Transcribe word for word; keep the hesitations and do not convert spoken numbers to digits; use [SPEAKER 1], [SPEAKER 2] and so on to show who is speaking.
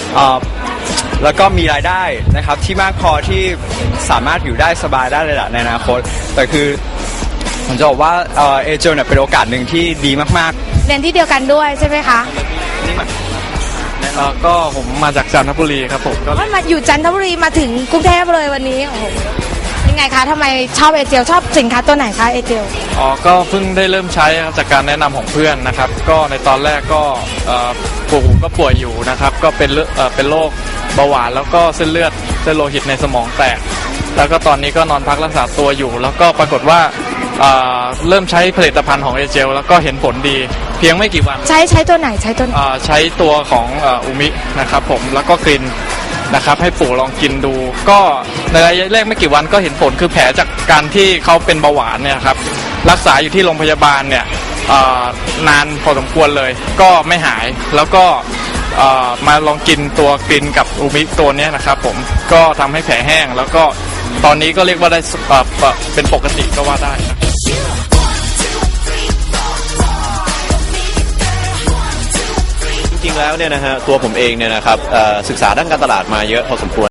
[SPEAKER 1] แล้วก็มีรายได้นะครับที่มากพอที่สามารถอยู่ได้สบายได้เลยแหละในอนาคตแต่คือผมจะบอกว่าเอเจลเนี่ยเป็นโอกาสหนึ่งที่ดีมาก
[SPEAKER 2] ๆเรียนที่เดียวกันด้วยใช่ไหมคะ
[SPEAKER 1] นี่มัน
[SPEAKER 3] ก็ผมมาจากจันทบุรีครับผมก็
[SPEAKER 2] มาอยู่จันทบุรีมาถึงกรุงเทพเลยวันนี้โอ้โหยังไงคะทำไมชอบเอเจลชอบสินค้าตัวไหนคะเอเจล
[SPEAKER 3] อ๋อก็เพิ่งได้เริ่มใช้ครับจากการแนะนำของเพื่อนนะครับก็ในตอนแรกก็ปู่ก็ป่วยอยู่นะครับก็เป็นเป็นโรคเบาหวานแล้วก็เส้นเลือดเส้นโลหิตในสมองแตกแล้วก็ตอนนี้ก็นอนพักรักษาตัวอยู่แล้วก็ปรากฏว่าเริ่มใช้ผลิตภัณฑ์ของเอเจลแล้วก็เห็นผลดีเพียงไม่กี่วัน
[SPEAKER 2] ใช้ใช้ตัวไหนใช้ตัว
[SPEAKER 3] ใช้ตัวของอุมินะครับผมแล้วก็กลิ่นนะครับให้ปู่ลองกินดูก็ในระยะแรกไม่กี่วันก็เห็นผลคือแผลจากการที่เขาเป็นเบาหวานเนี่ยครับรักษาอยู่ที่โรงพยาบาลเนี่ยนานพอสมควรเลยก็ไม่หายแล้วก็มาลองกินตัวกลิ่นกับอุมิตัวนี้นะครับผมก็ทำให้แผลแห้งแล้วก็ตอนนี้ก็เรียกว่าได้เป็นปกติก็ว่าได้นะ
[SPEAKER 4] จริงๆแล้วเนี่ยนะฮะตัวผมเองเนี่ยนะครับศึกษาด้านการตลาดมาเยอะพอสมควร